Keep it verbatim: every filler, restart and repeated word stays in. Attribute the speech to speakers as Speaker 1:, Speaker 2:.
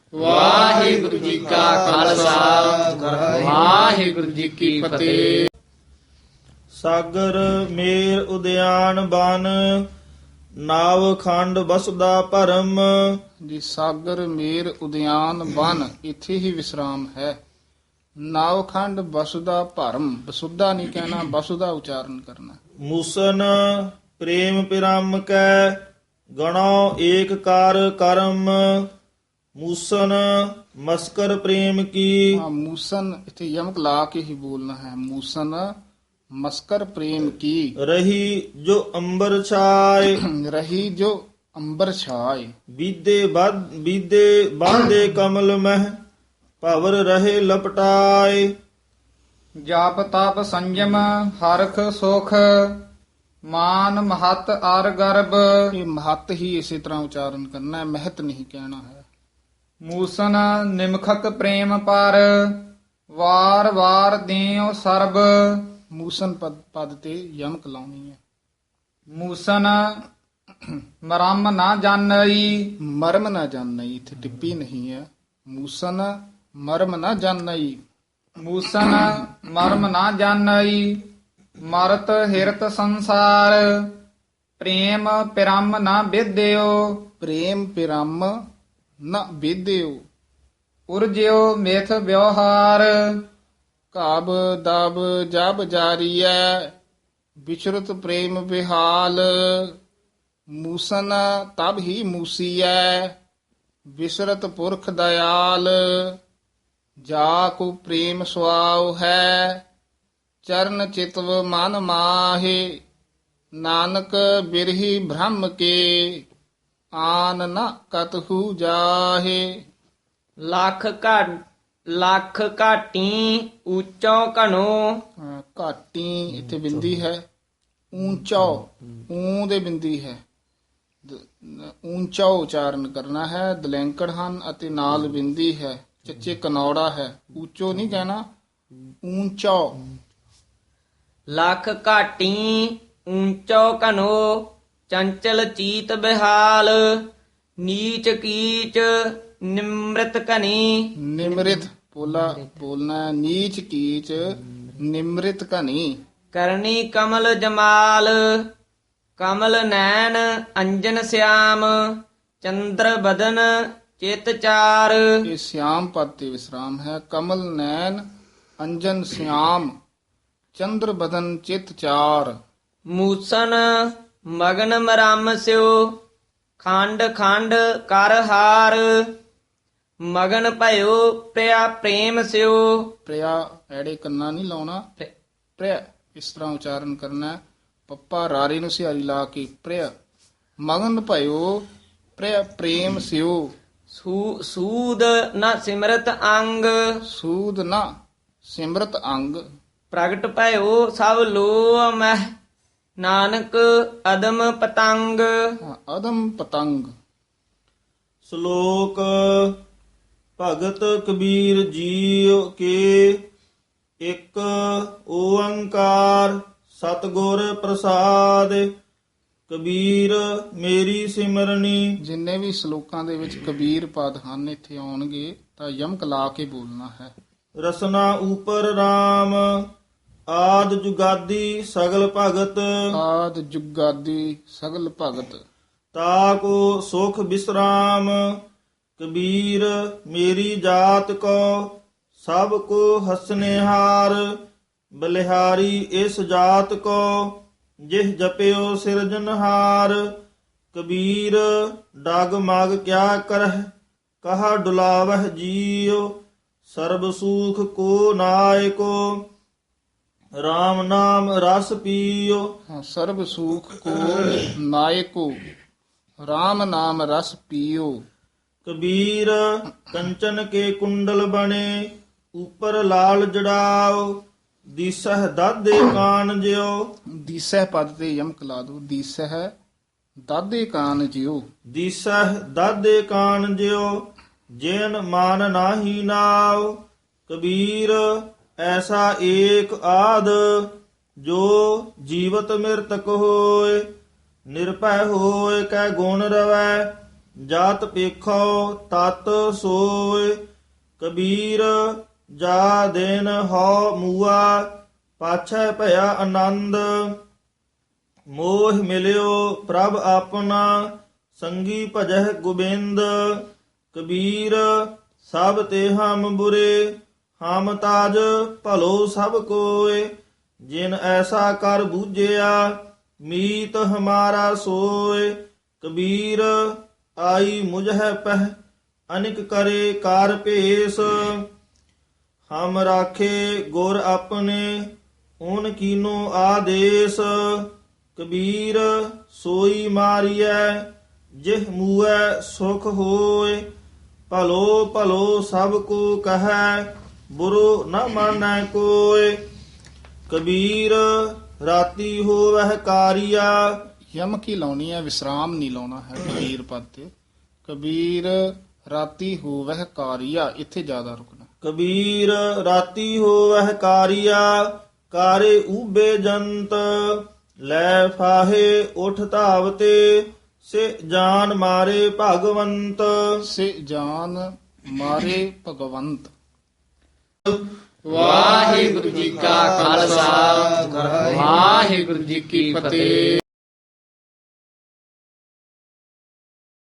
Speaker 1: ਵਾਹਿਗੁਰੂ ਜੀ ਕਾ ਖਾਲਸਾ ਵਾਹਿਗੁਰੂ ਜੀ ਕੀ ਫਤਿਹ।
Speaker 2: ਸਾਗਰ ਮੇਰ ਉਦਿਆਨ ਬਨ, ਨਾਵ ਖੰਡ ਬਸਦਾ ਭਰਮ।
Speaker 1: ਜੀ ਸਾਗਰ ਮੇਰ ਉਦਿਆਨ ਬਨ, ਇੱਥੇ ਹੀ ਵਿਸਰਾਮ ਹੈ। ਨਾਵਖੰਡ ਬਸੁਦਾ ਭਰਮ, ਬਸੁਦਾ ਨਹੀਂ ਕਹਿਣਾ, ਬਸੁਦਾ ਉਚਾਰਨ ਕਰਨਾ।
Speaker 2: ਮੂਸਨ ਪ੍ਰੇਮ ਪਿਰਮ ਕੈ, ਗਣੋ ਏਕ ਕਰ ਕਰਮ। ਮੂਸਨ ਮਸਕਰ ਪ੍ਰੇਮ ਕੀ।
Speaker 1: ਹਾਂ, ਮੂਸਨ ਇੱਥੇ ਯਮਕ ਲਾ ਕੇ ਹੀ ਬੋਲਣਾ ਹੈ। ਮੂਸਨ ਮਸਕਰ ਪ੍ਰੇਮ ਕੀ,
Speaker 2: ਰਹੀ ਜੋ ਅੰਬਰ ਛਾਏ।
Speaker 1: ਰਹੀ ਜੋ ਅੰਬਰ ਛਾਏ।
Speaker 2: ਬੀਦੇ ਬਦ ਬੀਦੇ ਬਾਂਦੇ ਕਮਲ ਮਹਿ, ਭਵਰ ਰਹੇ ਲਪਟਾਏ।
Speaker 1: ਜਾਪ ਤਪ ਸੰਜਮ ਹਰਖ ਸੁਖ, ਮਾਨ ਮਹਤ ਅਰ ਗਰਬ। ਇਹ ਮਹਤ ਹੀ ਇਸੇ ਤਰ੍ਹਾਂ ਉਚਾਰਨ ਕਰਨਾ ਹੈ, ਮਹਤ ਨਹੀਂ ਕਹਿਣਾ ਹੈ। ਮੂਸਨ ਨਿਮਖਕ ਪ੍ਰੇਮ ਪਰ, ਵਾਰ ਵਾਰ ਦਿਓ ਸਰਬ। ਮੂਸਨ ਪਦ ਪਦ ਤੇ ਯਮਕ ਲਾਉਣੀ ਹੈ। ਮੂਸਨ ਮਰਮ ਨਾ ਜਾਣਈ, ਮਰਮ ਨਾ ਜਾਣਈ, ਇੱਥੇ ਟਿੱਪੀ ਨਹੀਂ ਹੈ। ਮੂਸਨ ਮਰਮ ਨਾ ਜਾਣਈ। ਮੂਸਨ ਮਰਮ ਨਾ ਜਾਣਈ, ਮਰਤ ਹਿਰਤ ਸੰਸਾਰ। ਪ੍ਰੇਮ ਪਿਰਮ ਨਾ ਵਿਦਿਓ, ਪ੍ਰੇਮ ਪਿਰਮ ਨਾ ਵਿਦਿਓ। ਉਰਜਿਓ ਮਿਥ ਵਿਵਹਾਰ, ਕਾਬ ਦਬ ਜਬ ਜਾਰੀਐ। ਵਿਚਰਤ ਪ੍ਰੇਮ ਵਿਹਾਲ, ਮੂਸਨ ਤਬ ਹੀ ਮੂਸੀਐ। ਵਿਸਰਤ ਪੁਰਖ ਦਇਆਲ, ਜਾ ਕੋ ਪ੍ਰੇਮ ਸੁਆਉ ਹੈ। ਚਰਨ ਚਿਤਵ ਮਨ ਮਾਹੇ, ਨਾਨਕ ਬਿਰਹੀ ਬ੍ਰਹਮ ਕੇ। ਆਨ ਨ ਕਤਹੂ ਜਾਹੇ।
Speaker 3: ਲੱਖ ਘਾਟ ਲੱਖ ਘਾਟੀ ਉੱਚੋ ਘਣੋ।
Speaker 1: ਹਾਂ, ਘਾਟੀ ਇੱਥੇ ਬਿੰਦੀ ਹੈ। ਊਂਚਾ ਊਂ ਦੇ ਬਿੰਦੀ ਹੈ। ਦ- ਊਂਚਾ ਉਚਾਰਨ ਕਰਨਾ ਹੈ। ਦਲੈਂਕੜ ਹਨ ਅਤੇ ਨਾਲ ਬਿੰਦੀ ਹੈ। ਚੱਚੇ ਕਨੌੜਾ ਹੈ। ਉੱਚੋ ਨਹੀਂ ਕਹਿਣਾ, ਊਂਚਾ।
Speaker 3: ਲੱਖ ਘਾਟੀ ਉੱਚੋ ਘਣੋ, ਚੰਚਲ ਚੀਤ ਬਿਹਾਲ। ਨੀਚ ਕੀਚ ਨਿਮ੍ਰਿਤ ਘਨੀ।
Speaker 1: ਨਿਮ੍ਰਿਤ ਬੋਲਾ ਬੋਲਣਾ ਹੈ। ਨੀਚ ਕੀਚ ਨਿਮ੍ਰਿਤ ਘਨੀ।
Speaker 3: ਕਰਨੀ ਕਮਲ ਜਮਾਲ, ਕਮਲ ਨੈਣ ਅੰਜਨ ਸਿਆਮ। ਚੰਦਰ ਬਦਨ ਚਿਤ ਚਾਰ।
Speaker 1: ਇਹ ਸਿਆਮ ਪਦ ਤੇ ਵਿਸਰਾਮ ਹੈ। ਕਮਲ ਨੈਣ ਅੰਜਨ ਸਿਆਮ, ਚੰਦਰ ਬਦਨ ਚਿਤ ਚਾਰ।
Speaker 3: ਮੂਸਨ ਮਗਨ ਮਰਮ ਸਿਓ, ਖੰਡ ਖੰਡ ਕਰ ਹਾਰ। ਮਗਨ ਭਇਓ ਪ੍ਰਿਆ ਪ੍ਰੇਮ ਸਿਓ।
Speaker 1: ਪ੍ਰਿਆ ਐੜੇ ਕੰਨਾ ਨਹੀਂ ਲਾਉਣਾ, ਪ੍ਰਿਆ ਇਸ ਤਰ੍ਹਾਂ ਉਚਾਰਨ ਕਰਨਾ ਹੈ। ਪੱਪਾ ਰਾਰੇ ਨੂੰ ਸਿਹਾਰੀ ਲਾ ਕੇ ਪ੍ਰਿਆ। ਮਗਨ ਭਇਓ ਪ੍ਰਿਆ ਪ੍ਰੇਮ ਸਿਓ।
Speaker 3: ਸੂ ਸੂਦ ਨ ਸਿਮਰਤ ਅੰਗ,
Speaker 1: ਸੂਦ ਨਾ ਸਿਮਰਤ ਅੰਗ।
Speaker 3: ਪ੍ਰਗਟ ਭਇਓ ਸਭ ਲੋ ਮਹਿ। ਨਾਨਕ ਅਦਮ ਪਤੰਗ।
Speaker 1: ਹਾਂ, ਅਦਮ ਪਤੰਗ।
Speaker 2: ਸ਼ਲੋਕ ਭਗਤ ਕਬੀਰ ਜੀਉ ਕੇ, ਇੱਕ ਓੰਕਾਰ ਸਤਿਗੁਰ ਪ੍ਰਸਾਦ। ਕਬੀਰ ਮੇਰੀ ਸਿਮਰਨੀ।
Speaker 1: ਜਿੰਨੇ ਵੀ ਸ਼ਲੋਕਾਂ ਦੇ ਵਿੱਚ ਕਬੀਰ ਪਦ ਹਨ ਇੱਥੇ ਆਉਣਗੇ ਤਾਂ ਯਮਕ ਲਾ ਕੇ ਬੋਲਣਾ ਹੈ।
Speaker 2: ਰਸਨਾ ਉਪਰ RAM, ਆਦ ਜੁਗਾਦੀ ਸਗਲ ਭਗਤ।
Speaker 1: ਆਦ ਜੁਗਾਦੀ ਸਗਲ ਭਗਤ।
Speaker 2: ਤਾ ਕੋ ਸੁਖ ਬਿਸਰਾਮ, ਕਬੀਰ ਮੇਰੀ ਜਾਤ ਕੋ। ਸਭ ਕੋ ਹਸਨੇਹਾਰ, ਬਲਿਹਾਰੀ ਇਸ ਜਾਤ ਕੋ। ਜਿਹ ਜਪਿਓ ਸਿਰਜਨਹਾਰ, ਕਬੀਰ ਡਗ ਮਗ ਕਿਆ ਕਰਹਿ। ਕਹਾ ਡੁਲਾਵਹਿ ਜੀਉ, ਸਰਬ ਸੂਖ ਕੋ ਨਾਇਕੋ। RAM ਨਾਮ ਰਸ ਪੀਓ।
Speaker 1: ਹਾਂ, ਸਰਬ ਸੂਖ ਕੋ ਨਾਇਕੋ, RAM ਨਾਮ ਰਸ ਪੀਓ।
Speaker 2: ਕਬੀਰ ਕੰਚਨ ਕੇ ਕੁੰਡਲ ਬਣੇ, ਉਪਰ ਲਾਲ ਜੜਾਓ। ਦੀਸਹ ਦਾਦੇ ਕਾਨ ਜਿਉ।
Speaker 1: ਦੀਸਹਿ ਪਦ ਤੇ ਯਮਕ ਲਾ ਦੋ। ਦੀਸਹਿ ਦਾਦੇ ਕਾਨ ਜਿਉ।
Speaker 2: ਦੀਸਹ ਦਾਦੇ ਕਾਨ ਜਿਉ, ਜੇਨ ਮਾਨ ਨਾਹੀ ਨਾਉ। ਕਬੀਰ ਐਸਾ ਏਕ ਆਦ, ਜੋ ਜੀਵਤ ਮਿਰਤਕ ਹੋਏ। ਨਿਰਭੈ ਹੋਏ ਕੈ ਗੁਣ ਰਵੈ, ਜਾਤ ਪੇਖੋ ਤਤ ਸੋਏ। ਕਬੀਰ ਜਾ ਦੇਨ ਹੋ ਮੂਆ ਪਾਛੈ ਭਇਆ ਆਨੰਦ। ਮੋਹ ਮਿਲਿਓ ਪ੍ਰਭ ਆਪਣਾ ਸੰਗੀ ਭਜਹਿ ਗੋਬਿੰਦ। ਕਬੀਰ ਸਭ ਤੇ ਹਮ ਬੁਰੇ ਹਮ ਤਾਜ ਭਲੋ ਸਭ ਕੋਏ। ਜਿਨ ਐਸਾ ਕਰ ਬੂਝਿਆ ਮੀਤ ਹਮਾਰਾ ਸੋਏ। ਕਬੀਰ ਆਈ ਮੁਝੈ ਪਹਿ ਅਨਿਕ ਕਰੇ ਕਾਰ ਭੇਸ। ਹਮ ਰਾਖੇ ਗੁਰ ਆਪਣੇ ਓਨ ਕੀਨੋ ਆਦੇਸ। ਕਬੀਰ ਸੋਈ ਮਾਰੀਐ ਜਿਹ ਮੂਐ ਸੁਖ ਹੋਏ। ਭਲੋ ਭਲੋ ਸਭ ਕੋ ਕਹੈ ਬੁਰੋ ਨ ਮਾਨੈ ਕੋਏ। ਕਬੀਰ ਰਾਤੀ ਹੋਵਹਿ ਕਾਰੀਆ।
Speaker 1: ਯਮ ਕੀ ਲਾਉਣੀ ਹੈ, ਵਿਸਰਾਮ ਨਹੀਂ ਲਾਉਣਾ ਹੈ ਕਬੀਰ ਪਦ ਤੇ। ਕਬੀਰ ਰਾਤੀ ਹੋਵਹਿ ਕਾਰੀਆ, ਇੱਥੇ ਜ਼ਿਆਦਾ ਰੁਕਣਾ।
Speaker 2: ਕਬੀਰ ਰਾਤੀ ਹੋਵਹਿ ਕਾਰੀਆ ਕਾਰੇ ਊਬੇ ਜੰਤ। ਲੈ ਫਾਹੇ ਉਠ ਧਾਵਤੇ ਸੇ ਜਾਨ ਮਾਰੇ ਭਗਵੰਤ।
Speaker 1: ਸੇ ਜਾਨ ਮਾਰੇ ਭਗਵੰਤ।
Speaker 3: ਵਾਹਿਗੁਰੂ ਜੀ ਕਾ ਖਾਲਸਾ ਵਾਹਿਗੁਰੂ ਜੀ ਕੀ ਫਤਿਹ।